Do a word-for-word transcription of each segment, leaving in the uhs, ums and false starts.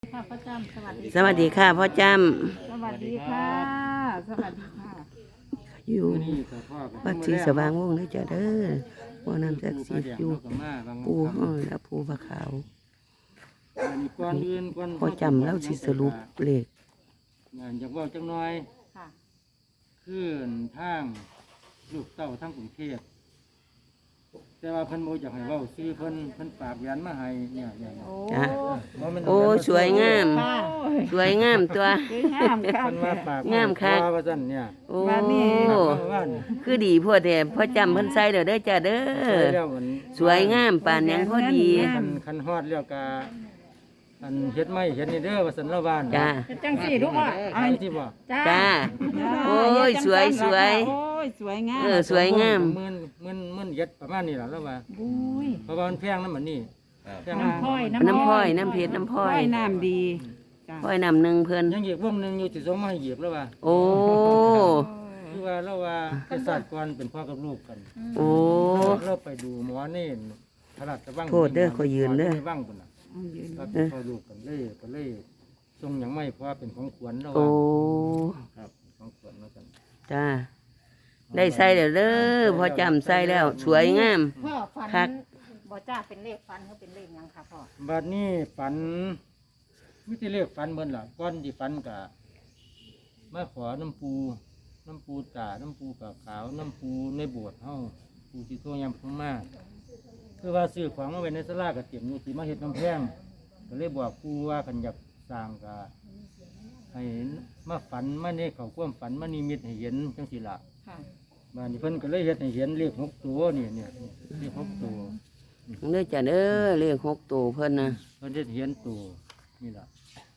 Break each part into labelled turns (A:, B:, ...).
A: ค่ะพ่อจำสวัสดี
B: สวัสดีค่ะพ่อจ
A: สวัสดีค่ะสวัสดีค่ะ
B: ำอยู่วัดศรีสว่างวงศ์เลยจ้ะเด้อพ่อน้ำศักดิ์สิทธิ์อยู่ปูห้องและปูพระขาวพ่อจำแล้วสิสรุปเลข
C: อยากบอกจังน้อย
A: ค่ะ
C: ขึ้นทางลูกเต้าทางกรุงเทพแต่ว่าเพิ่นโมอยากให้เว้าซื้อเพิ่นเพิ่นฝากยันมาให้เนี่ยเนี่ย
A: โอ้
B: จ้ะ
C: บ่แม่น
B: โอ้สวยงาม
A: ค่ะ
B: สวยงามตัว
A: สวยงามค่ะ
C: เพิ่นว่าฝาก
B: งามค่ะ
C: ว่าซั่นเนี่ย
B: โอ้
A: มานี่
C: ว่านี่
B: คือดีพ่อแต่พ่อจำเพิ่นใส่เด้อเด้อจ้ะเด้อ
C: ใส่แล้วมัน
B: สวยงามปานหยังพอดี
C: คันคันฮอดแล้วก็อันเฮ็ดไม้เฮ็ดนี่เด้อว่าซั่นละบ้าน
B: จ้า
A: จังสี่ลูกอ่ะ
C: ไอ้ที่บ่
A: จ้า
B: จ้า โอ้ยสวยสวย
A: โอ้ยสวยงาม
B: เออสวยงาม
C: หมื่นหมื่นหมื่นเฮ็ดประมาณนี้ล่ะแล้วว่า
A: บุ้ย
C: เพราะว่ามันแพงนำมันนี่แพง
A: น้ำ
C: นำ
A: พ้อย
B: น้ำพ้อยน้ำเพชรน้ำพ้อย
A: น้ำดีจ้า
B: พ้อยน้ำหนึ่งเพิ่น
C: ยังอีกวงหนึงอยู่ที่ส่งมาให้เหยียบแล้วว่า
B: โอ้
C: คือว่าเราว่าไปศาสตร์ก่อนเป็นพ่อกับลูกกัน
B: โอ้
C: เราไปดูหมอนี่พระราชวัง
B: โทษเด้อขอยืนเด้อ
C: หมในวังพุ่นน่ะ
A: เอายืน
C: ก็เป็นพ่อลูกกันเลยก็เลยทรงหยังไม่เพราะว่าเป็นของขวัญเรา
B: โอ้
C: ว่าครับของขวัญมากัน
B: จ้า ได้ใส่แล้วเด้อพอจำใส่แล้ว สวยงาม
A: พ่อฝั
B: คัก
A: นบ่จ้าเป็นเลขฟันเขาเป็นเลขหยังค่ะพ่อ
C: บัดนี้ฝันมิติเลขฝันเบิ่นล่ะก้อนที่ฝันกะมาขอน้ำปูน้ำปูตาน้ำปูกะขาวน้ำปูในโบสถ์เฮาปูที่โทยำพุ่งมาคือว่าซื้อของมาไว้ในศาลาก็เตรียมอยู่สิมาเฮ็ดกำแพงก็เลยบอกปูว่าคันอยากสร้างกะให้มาฝันมาในเขาความฝันมานิมิตให้เห็นจังสิล่ะ
A: ค่ะ
C: บ้านนี้เพิ่นก็เลยเฮ็ดให้เห็นเลขหกตัวนี่เนี่ยเลขหกตัว
B: เด้อจ้ะเด้อเลขหกตัวเพิ่นนะ
C: เพิ่นเฮ็ดเห็นตัวนี่ล่ะ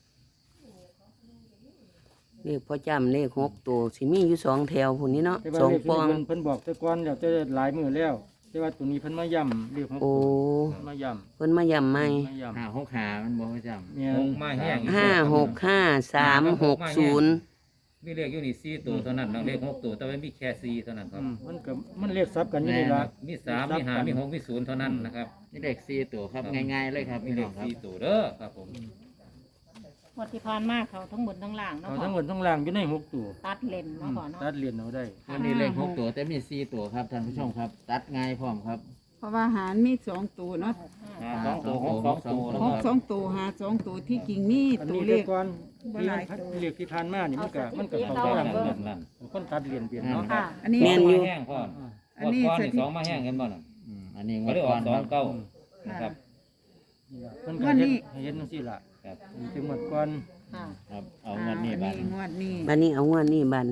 B: เลขพอจำเลขหกตัวสิมีอยู่สองแถวพุ่นนี้เนาะ
C: แต่ว่า
B: สอง
C: เลข
B: ป
C: ที่
B: อง
C: เพิ่นเพิ่นบอกแต่ก่อนแล้วแต่หลายมื้อแล้ว แต่ว่าตัวนี้เพิ่นมาย้ำเลขหก
B: โอ้
C: ตัวมาย้ำ
B: เพิ่นมาย่ำใหม่
C: มาย้ำ
D: หาหกหามันบอกประจ
C: เนี่ย
D: ำหกมาแห้ง
B: ห้าหกห้าสามหกศูนย์
D: มีเลขอยู่นี่สี่ตัวเท่านั้นน้องเลขหกตัวแต่ว่ามีแค่สี่เท่านั้นครับ
C: อืมมันก็มันเลขซับกันอยู่
D: แม่
C: นี่
D: น
C: ล่ะ
D: มีสามมีห้ามีหกมีศูนย์เท่านั้นนะครับ
E: นี่เลขสี่ตัวครับง่ายๆเลยครับ
D: มี
E: พี่
D: เล
E: น้อ
D: ข
E: งครับ
D: สี่ตัวเด้อครับผม
A: งวดที่ผ่านมาเขาทั้งบนทั้งล่างเนาะ
C: เอา
A: พ่อ
C: ทั้งหมดทั้งล่างอยู่ในหกตัว
A: ตัดเลนเนาะพ่อเนาะ
C: ตัดเหรียญเอาได้
E: วันนี้เลขหกตัวแต่มีสี่ตัวครับท่านผู้ชมครับ ตัดง่ายพร้อมครับ
F: เพราะว่าหารมีสองตัวเนาะ
D: หาสองตัวหกสองตัวนะ
F: ห
D: ค
F: ก
D: รับ
F: สองตัวหาสองตัวที่กิ่งมี
C: อัน
F: ตัว
C: นี้
F: เล
C: เล
F: ข
C: ขก่อน
F: บ่
C: ที่
F: หลาย
C: มัน
F: ตัว
C: เลขที่ผ่านมานี่มันก็มันก็เข้า
D: เอา
C: ใจ
D: อย่าง
C: กัน
D: นั้นนั่น
C: คนตัดเหรียญเปลี่ยนเนาะ
A: ค่ะ
F: อันนี้
B: แม่นอยู่
D: มาแห้งพ่อ
F: อันนี้
D: ก้อน
F: ส
D: นี่
F: ถิ
D: สองมาแห้งกันบ่น่ะ
E: อืมอันนี้ง
D: ก็
E: วด
D: เลยอ
E: ก่
D: อ
E: อก น
D: สอ
E: ค
D: ง
E: รับ
D: เก้านะครับ
C: นี่ล่ะเพิ่นก็เฮ็ดให้เห็นจังซี่ล่ะ
D: ครับ
C: ถึงหมดก่อน
A: ค่ะ
E: ครับเอางวดนี้
F: อัน
E: บั
F: นี้
E: ด
F: งวดนี้
B: บัดนี้เอางวดนี้บัดนี้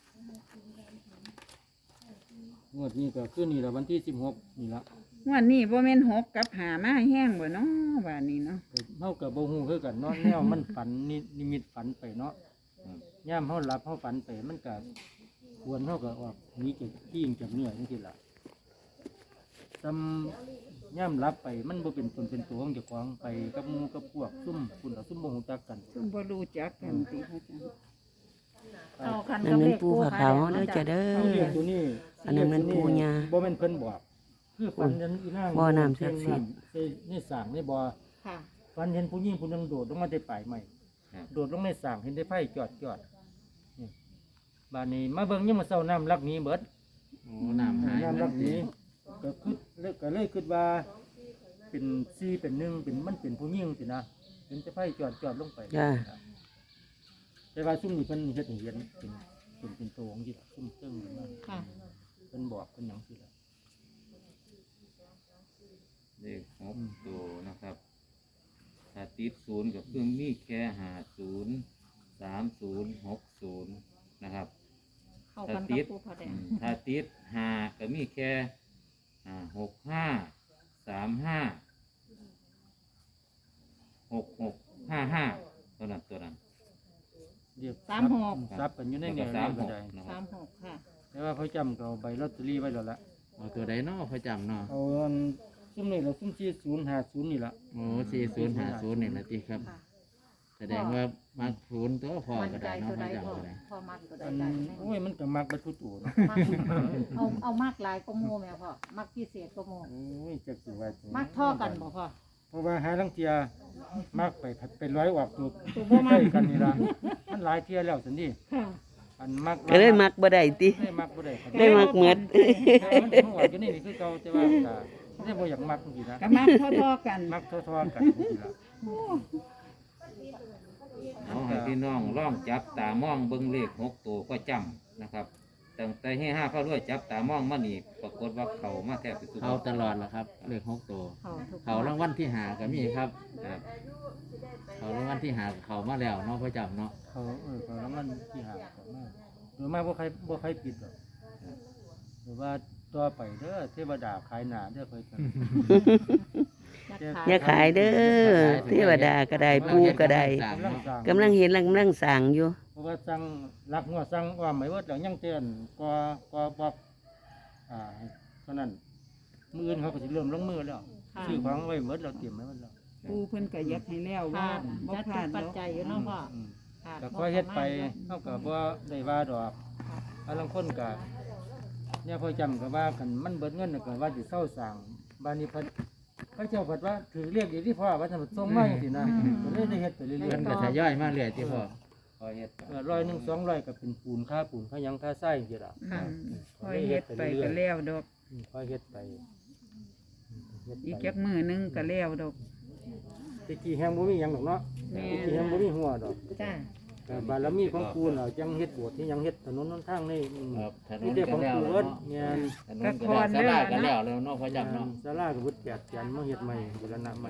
C: งวดนี้ก็คือนี่ละวันที่สิบหกนี่ละ
F: งวดนี้บ่แม่นหกกับหามาแห้งบ่เนาะบาดนี้เนาะ
C: เฮากับบ่ฮู้คือกันเนาะแนวมันฝันนินิมิตฝันไปเนาะย่ามเฮาหลับเฮาฝันไปมันก็ควรเฮาก็ออกหนีจากที่ยิงจากเนี่ยจังซี่ล่ะซำย่ามหลับไปมันบ่เป็นตนเป็นตัวของเจ้าของไปกับหมู่กับพวกซุ่มคุณเอาซุ่มบ่ฮู้จักกัน
F: ซึ่งบ่รู้จักกันติพระอาจารย์
A: เอากัน
B: อัน
A: กับ
B: นั้
A: เล
B: น
A: ข
B: ปูผาขาวเด้อจ้ะเด้
C: เอาเรีย
B: อก
C: ตัวนี้
B: อันนั้นมันปู่ย่า
C: บ่แม่นเพิ่นบอก คือฝันนั้นอีนาง
B: บ่น้ำศักดิ์สิทธิ์
C: ในในสร้างในบ่อ
A: ค่ะ
C: ฝันเห็นผู้หญิงผู้หนึงโดดลงมาได้ปลายไม้
D: ครับ
C: โดดลงในสร้างเห็นได้ไฟจอดจอดนี่บ้านนี้มาเบิ่งยังมาเศร้าน้ำลักหนี้เบิด
E: โอ้น้ำหาย
C: น้ำลักหนี้ก็คือเลยก็เลยคิดว่า เป็นซีเป็นหนึ่งเป็นมันเป็นผู้หญิงสินะเห็นแต่ไฟจอดจอดลงไป
B: จ้า
C: แต่ว่าซุ่มนี่เพิ่นเฮ็ดให้เห็นเป็นเป็นเป็นตัวของที่ซุ่มเติ้งขึ้นมา
A: ค่ะ
C: เพิ่นบอกเพิ่นหยังสิล่ะ
D: เลขหกตัวนะครับถ้าติดศูนย์ก็คือมีแค่หาศูนย์สามศูนย์หกศูนย์นะครับ
A: เข้ากันกับปูผาแด
D: อื
A: ง
D: มถ้าติดห้าก็มีแค่อ่าหกห้าสามห้าหกหกห้าห้าเท่านั้นตัวนั้น
C: เรียก
A: สามหก
C: ซับกันอยู่ใน
D: แล้ว
C: แน
D: ก็
C: ว
D: สา
C: นี้
D: มห
C: ก็
D: ก
C: ได้
D: นะค
A: สา
D: รับ
A: มหกค่ะ
C: แต่ว่าเขาจำก็เอาใบลอตเตอรี่ไว้แล้วละ
E: เอาตัวใดเนาะพระจำเนาะ
C: เอาอันซุ่มนี่เราซุ่มที่ศูนย์หาศูนย์นี่ละ
E: โอ้สี่ศูนย์หาศูนย์นี่นะติครับ
A: ค่ะ
E: แสดงว่ามาศูนย์ตัวพอ
A: มัน
E: ก็
A: ใจ
E: ได้เนาะ
A: ตัว
E: พ
A: ใด
E: ระ
A: พ่อ
E: จำก็ได้
A: พ่อมักตัวใด
C: อัน
A: ได้
C: โอ้ยมันก็มักไปทุกตัวเนาะ
A: มักเอาเอามากหลายก็โมแม่พ่อมักพิเศษก็โม
C: โอ้ยจักสิว่าจัง
A: มักท่อกันบ่พ่อ
C: เพราะว่าหาลังเทียมากไปผัดเป็นร้อยออกตัว
A: ตัวบ่มั
C: ใก
A: ก
C: ล้กันนี่ล่ะมันหลายเที่ยแล้วสินี่
A: ค่ะ
C: อันมัก
B: ก็เลยมักบ่ได้ติ
C: ได้มักบ่ได้
B: ได้มักเหมือด
C: แต่มันหัวอยู่นี่นี่คือเก่าแต่ว่าก็ได้บ่อยากมักจริงๆนะ
F: ก็มักทอๆกัน
C: มักทอๆกันจริงๆล่ะ
D: เอาให้พี่น้องล่องจับตามองเบิ่งเลขหกตัวก็จำนะครับตั้งแต่ให้ห้าเข้าด้วยจับตามองมานี่ปรากฏว่าเขามาแทบจะสุด
E: เขาตลอดแหละครับเลขหกตัว
A: เขาทุก
E: เขารางวัลที่หาก็มีครับ
D: ครับ
E: เขารางวัลที่หาเขามาแล้วเนาะพ่อจำเนาะ
C: เขาเออเขาแล้วมันที่หาเขามาหรือไม่บ่ใครบ่ใครปิดหรอกหรือว่าต่อไปเด้อเทวดาขายหน้าเด้อเพิ่นกัน
B: อย่าขายเด้อเทวดาก็ได้ปู่ก็ได้
C: กำลังสร้าง
B: กำลังเห็นกำลังสร้างอยู่
C: เพราะว่าสั่งรักงัวสั่งว่าไม่เวิดแล้วยังเตือนก็ก็บอกอ่าเท่านั้นมืออื่นเขาก็สิเริ่มลงมือแล้วซื้อของไว้เวิดเราเตรียมไว้เวิดแล้ว
F: ปูเพิ่นก็อยากให้แล้วว่า
A: ค่ะ
F: บ่
A: จัด
F: พ
A: ทุ
F: ลาก ด
A: ปัจ
F: แล้ว
A: จัยอยู่เนาะพ่อ
C: อืม
A: ค่ะ
C: ก็ค่อยเฮ็ดไปเฮาก็บ่ได้ว่าดอกอันลางคนก็เนี่ยพอจำก็ว่ากันมันเบิดเงินน่ะก็ว่าสิเซาสร้างบ้านนี้เพิ่นพระเจ้าเพิ่นว่าถือเรียกอีกที่พ่อว่าท่านส่งมาจังซี่นะก็เลยได้เฮ็ดไปเรื่อย
E: เพิ่นก็ทยอยมาเรื่อยที่พ่อ
D: คอยเฮ็ด
C: ๆเออร้อยหนึ่งสองร้อยก็เป็นปูนค่าปูนค่าหยังค่าทรายจังซี่ล่ะ
F: อืมค่อยเฮ็ดไปก็แล้วดอก
C: อืมค่อยเฮ็ดไปเฮ็ด
F: อีก
C: ไป
F: จักมื้อหนึงก็แล้วดอก
C: ตะกี้แฮงบ่มีหยังดอกเนาะ
F: แม่
C: ตะกี้แฮงบ่มีหัวดอก
A: จ้า
C: แต่บารมีของปูน่ะจังเฮ็ดโบสถ์ที่ยังเฮ็ดถนนหนทางนี่อืม
E: ครับถน
C: นี่
E: น
C: เด้
E: ก็
C: ของ
E: แล้ว
C: ปู
E: แล้ว
C: เอิ้น
E: เนาะ
C: แม่น
E: ถนนก็แล้วสลาก็แล้วแล้วเนาะพ่อจำเนาะ
C: ศาลาก็บ่แตกจันมาเฮ็ดใหม่บูรณะใหม่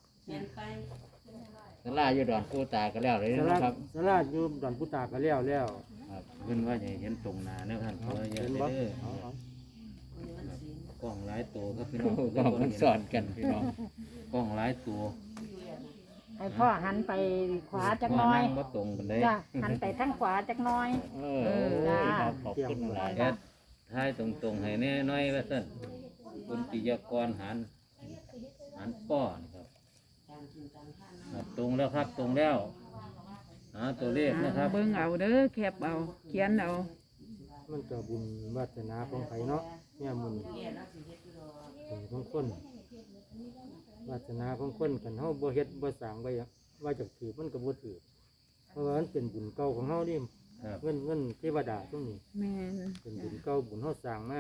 E: สลาอยู่ดอนกูตาก็แล้วเลย
C: ศาลา
E: เนาะครับ
C: ศาลาอยู่ดอนพุตาก็แล้วแล้ว
E: ครับเพิ่นว่าจะเห็นตรงหน้าเนาะท่าน
C: เอา
E: เพิ่นอย่า
C: เห็น
E: ไป
C: บ่
E: เด้อ
C: เอาเอา
E: กล้องหลายตัวครับพี่น้องกล้องมันสอนกันพี่น้องกล้องหลายตัว
A: ให้พ่อหันไปขวาจักหน้อย
E: พ่นั่งบ่ตรงกันเลย
A: จ้าหันไปทางขวาจักหน้อย
E: เออโอ้ยครับขอบคุณหลาย
D: แอดท้ายตรงๆให้แน่น้อยว่าซั่นคุณปิยากรหันหันป้อนี่ครับครับตรงแล้วครับตรงแล้วหาตัวเลขนะครับ
F: เบิ่งเอาเด้อแคปเอาเขียนเอา
C: มันก็บุญวาสนาของไผเนาะเนี่ยมุนถึงของคนวาสนาของคนกันเฮาบ่เฮ็ดบ่สร้างไว้อะว่าจะถือมันก็บ่ถือเพราะว่ามันเป็นบุญเก่าของเฮานี่
D: ครับ
C: เงินเงินเทวดาตรงนี้
F: แม่น
C: เป็นบุญเก่าบุญเฮาสร้างมา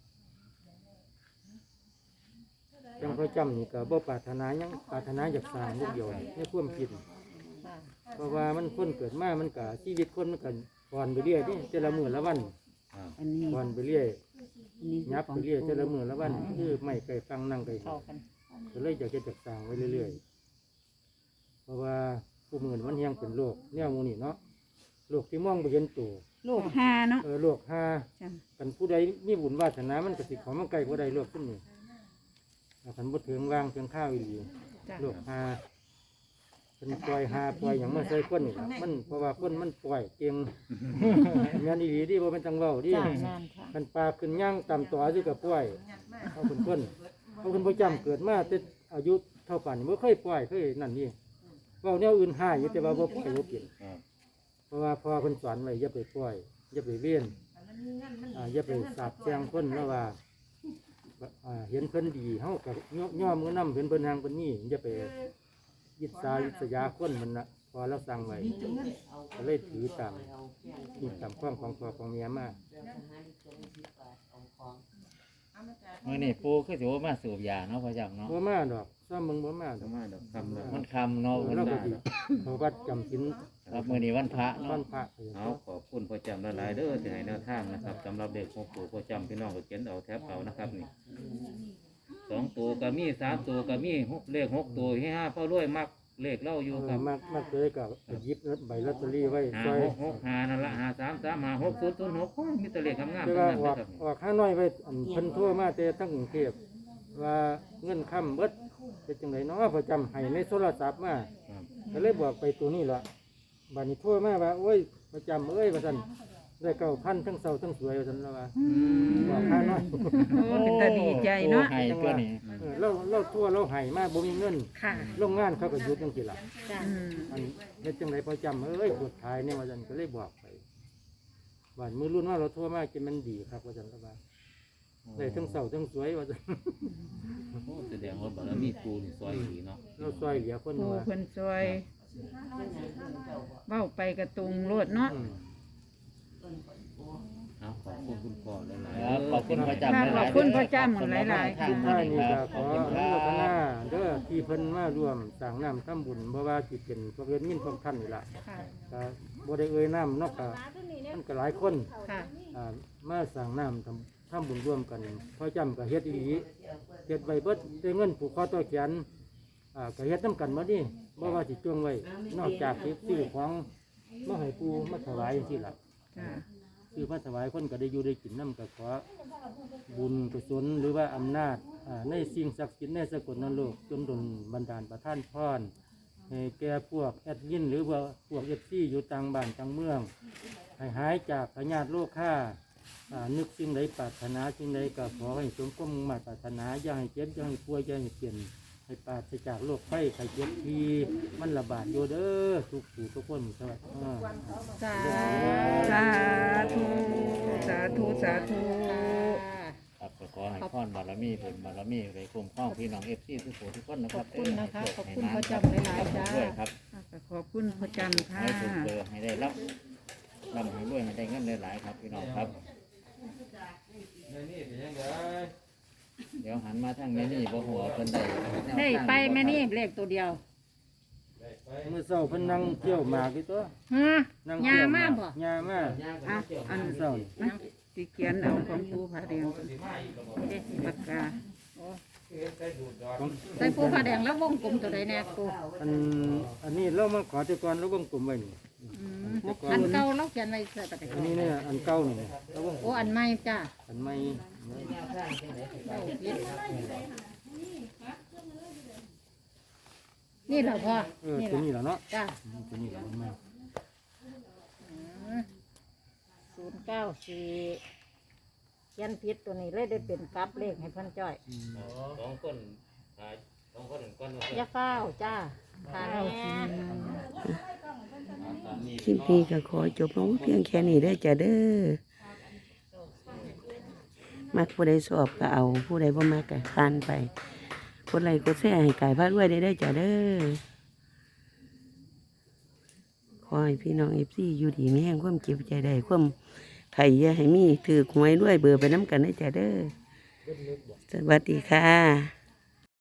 C: จังพระจำนี่ก็บ่ปรารถนาหยังปรารถนาอยากสร้างลูกเดียวในความคิด
A: ค่ะ
C: เพราะว่ามันคนเกิดมามันก็ชีวิตคนมันก็ผ่อนไปเรื่อยนี่แต่ละมื้อละวัน
F: อันนี้
C: ผ่อนไปเรื่อย
F: อันนี้
C: ยับไปเรื่อยแต่ละมื้อละวันคือไม่ไกลฟังนั่งไกล
A: เข้ากัน
C: ก็เลยอยากจะจักสร้างไว้เรื่อยๆเพราะว่าผู้มือมันยังเป็นโรคเนี่ยหมูนี่เนาะโรคที่มองบ่เห็นตัว
F: ลูกห้าเนาะ
C: เออโรคหา
F: จ้ะ
C: กันผู้ใดมีบุญวาสนามันก็สิเของมันไกลผู้ใดโรคขึ้นนี่ถ้าคันบ่ถึงวางเพียงข้าวอีหลี
F: จ้ะ
C: โรคหาเป็นปล่อยหาปล่อยหยังมาใส่คนนี่ล่ะมันเพราะว่าคนมันปล่อยเก่ง แม่นอีหลีดิบ่เป็นจังเว้าดิ
A: จ้าแม่นค่ะ
C: คันปลาขึ้นย่างตามตัวสิก็ปล่อยเอาคนคนเอาคนประจำเกิดมาแต่อายุเท่าป่านนี้บ่เคยปล่อยเคยนั่นนี่เว้าแนวอื่นหายอยู่แต่ว่าบ่ปล่อยบ่เปลี่ยน
D: ครับ
C: เพราะว่าพอเพิ่นสอนไว้อย่าไปปล่อยอย่าไปเวียนอ่าอย่าไปสาบแช่งคนแล้วว่าอ่าเห็นเพิ่นดีเฮาก็ย่อมมือนํเห็นเพิ่นทางเพิ่นนี่อย่าไปยิดสายิษยาคนมันน่ะพอเราสั่งไว้ก็เลยถือตามนี่ตามความของพ่อของเมียมา
E: มื้อนี้ปูคือสิว่ามาสูบยาเนาะพ่อจำเนาะ
C: บ่มาดอกซ้ำมึงบ่มาด
D: ส
C: อก
D: มาดอกคำแล้ว
E: มันคำเนาะ
C: เออ
E: มัน
C: เราก็
E: ว่า
C: สิเขาวัดจำศีล
E: ครับมื้อนี้วันพระ
C: วั
E: เนาะ
C: นพระไป
D: เอาขอบคุณพ่อจำละลายๆเด้อที่ให้แนวทางนะครับสำหรับเด็กหกตัวพ่อจำพี่น้องก็เขียนเอาแทบเอานะครับนี่สองตัวก็มีสามตัวก็มีหกเลขหกตัวให้ห้าพ่อรวยมักเลขเล่าอยู่
C: เอ
D: ครั
C: อบ มากมากเลยก็ไปหยิบใบลอตเตอรี่ไว้
D: หา
C: ซอย
D: หกหกหานั่นละหาสามสามหาหกศูนย์ศูนย์หกมีแต่เลขงามๆ
C: แต่
D: ทั้ง
C: ว่า
D: นั้น
C: อ
D: นะ
C: อก
D: ครับ
C: ออกข้างน้อยไว้อันเพิ่นทั่วมาแต่ทั้งกรุงเทพว่าเงินค่ำเบิดเป็นจังไดเนาะประจำให้ในโทรศัพท์มา
D: ครับ
C: ก็เลยบอกไปตัวนี้ล่ะบัดนี้ทั่วมาว่าโอ้ยประจำเอ้ยว่าซั่นได้เก้าพันทั้งเศร้าทั้งสวยว่าซั่นแล้วว่าบอกข้างน้อย
F: โอ้เป็นตาดีใจเนาะ
E: โอ้ให้ตัวนี้
C: เออเราเราทั่วเราให้มาบ่มีเงิน
A: ค่ะ
C: โรงงานเขาก็หยุดจังซี่ล่ะ
A: จ้า
F: อืม
C: อันเฮ็ดจังไดประจำเอ้ยปวดท้ายเนี่ยว่าซั่นก็เลยบอกไปบ้านมือรุ่นว่าเราทั่วมากินมันดีครับว่าซั่นแล้วว่า
D: โอ้
C: ได้ทั้งเศร้าทั้งสวยว่าซั่น
D: โอ้แสดงว่าบารมีปูนี่ซอยดีเนาะ
C: เราซอยเหลือคน
F: ปู
C: ว่า
F: เพิ่นซอยเว้าไปกระตุงโลดเนาะ
C: อืม
D: เอาขอบคุณคุณพ่อหลาย
E: ครับ
D: ๆ
E: ขอบคุณพระเจ้า
F: ค่ะขอบคุณพระเจ้าหมุนหลายๆ
E: ทาง
C: ท่า
E: นี้
C: นี่
E: ค
C: ก็
E: รับ
C: ข
E: ข
C: อ
E: อบ
C: อ
E: คุณค
C: นุ
E: รั
C: โมทนา
E: บ
C: เด้อที่เพิ่นมาร่วมสร้างน้ำทำบุญเพราะว่าสิเป็นพระเวทมินของท่านนี่ล่ะ
A: ค่ะ
C: ก็บ่ได้เอ่ยน้ำเนาะก็มันก็หลายคน
A: ค่ะ
C: อ่ามาสร้างน้ำทำทำบุญร่วมกันพ่อจำก็เฮ็ดอีหลีเฮ็ดไว้เบิดได้เงินผูกคอต่อแขนอ่าก็เฮ็ดน้ำกันหมดนี่บ่ว่าสิจ้วงไว้นอกจากสิซื้อของมาให้ปู่มาถวายจังซี่ล่ะ
F: จ้า
C: ซื้อมาถวายคนก็ได้อยู่ได้กินน้ำก็ขอบุญกุศลหรือว่าอำนาจอ่าในสิ่งศักดิ์สิทธิ์ในสกลนรกจนดลบันดาลประทานพรให้แก่พวกแอดยินหรือว่าพวกเอฟซีอยู่ต่างบ้านต่างเมือง ให้หายจากพยาธิโรคข้าอ่านึกสิ่งใดปรารถนาสิ่งใดก็ขอให้สมความมุ่งมั่นปรารถนาอย่าให้เจ็บอย่าให้ป่วยอย่าให้เปลี่ยนให้ปราศจากโรคไข้ไข้เจ็บทีมันระบาดอยู่เด้อทุกผู้ทุกคนสวัสดีอ่า
A: สา
F: สาธุสาธุสาธุ
E: ครับก็ขอให้พรบารมีเป็นบารมีไปคุ้มครองพี่น้องเอฟซีทุกคนทุกคนนะ
A: ข
E: ครั
A: อ
E: บบ
A: คุณนะคะ
E: ให้โช
A: ขอบคุณ
E: ให้
A: พระ
E: น้ำ
A: เจ้าหลายๆจ้า
E: ด้วยครับ
F: ขอบคุณพระจำค่ะ
E: ให้ถูกเบอร์ให้ได้รับรับให้รวยให้ได้เงินหลายๆครับพี่น้องครับ เดี๋ยวหันมาทางนี้นี่บ่หัวเพิ่นได้
A: ได้ไปแม่นี่เลขตัวเดียว
C: เมื่อเช้าเพิ่นนั่งเที่ยวหมากอยู่ตัว
A: ฮะ
C: นั่ง
A: ยา
C: เที่ยวห
A: มาก
C: ก
A: บ่
C: ยามา
F: อ่ะอัน
C: เมื่อเช้านี่
F: นะสิเขียนเอาของปูผาแดงปากกา
A: ใส่ปูผ้าแดงแล้ววงกลมตัวใดแน่ปู
C: อันอันนี้เรามาขอแต่ก่อนเราวงกลมไว้นี่
A: อืม
C: แต่ก่อ
A: อั
C: น
A: นเก่าเราเขียนไว้ใส่ปากกา
C: อันนี้เนี่ยอันเก่านี่เราวงกล
A: โอ้
C: ม
A: อันใหม่จ้า
C: อันใหม่
A: นี่เหรอพ่อ
C: เออ
A: นี่เหร
C: ตัว
A: อ
C: นี้แหละเนาะ
A: จ้า
C: ตัวนี้แหละอันใหม่
A: ศูนย์เก้าสี่เขียนผิดตัวนี้เลยได้เป็นกลับเลขให้เพันจ้อย
D: สองคนหาสองคนก้อนว่า
A: อยาเฝ้าจ้าทานแน่
B: คลิปนี้ก็ขอจบลงเพียงแค่นี้ได้อจ้ะเด้อมักผู้ใดสอบก็เอาผู้ใดบ่มักก็ทานไปกดไลค์กดแชร์ให้กายพาด้วยได้ได้อจ้ะเด้อขอให้พี่น้องเอฟซีอยู่ดีมีแห่งความเก็บใจได้ความไข่อย่าให้มีถือหวยด้วยเบอร์ไปน้ำกันได้อจ้ะเด้อสวัสดีค่ะ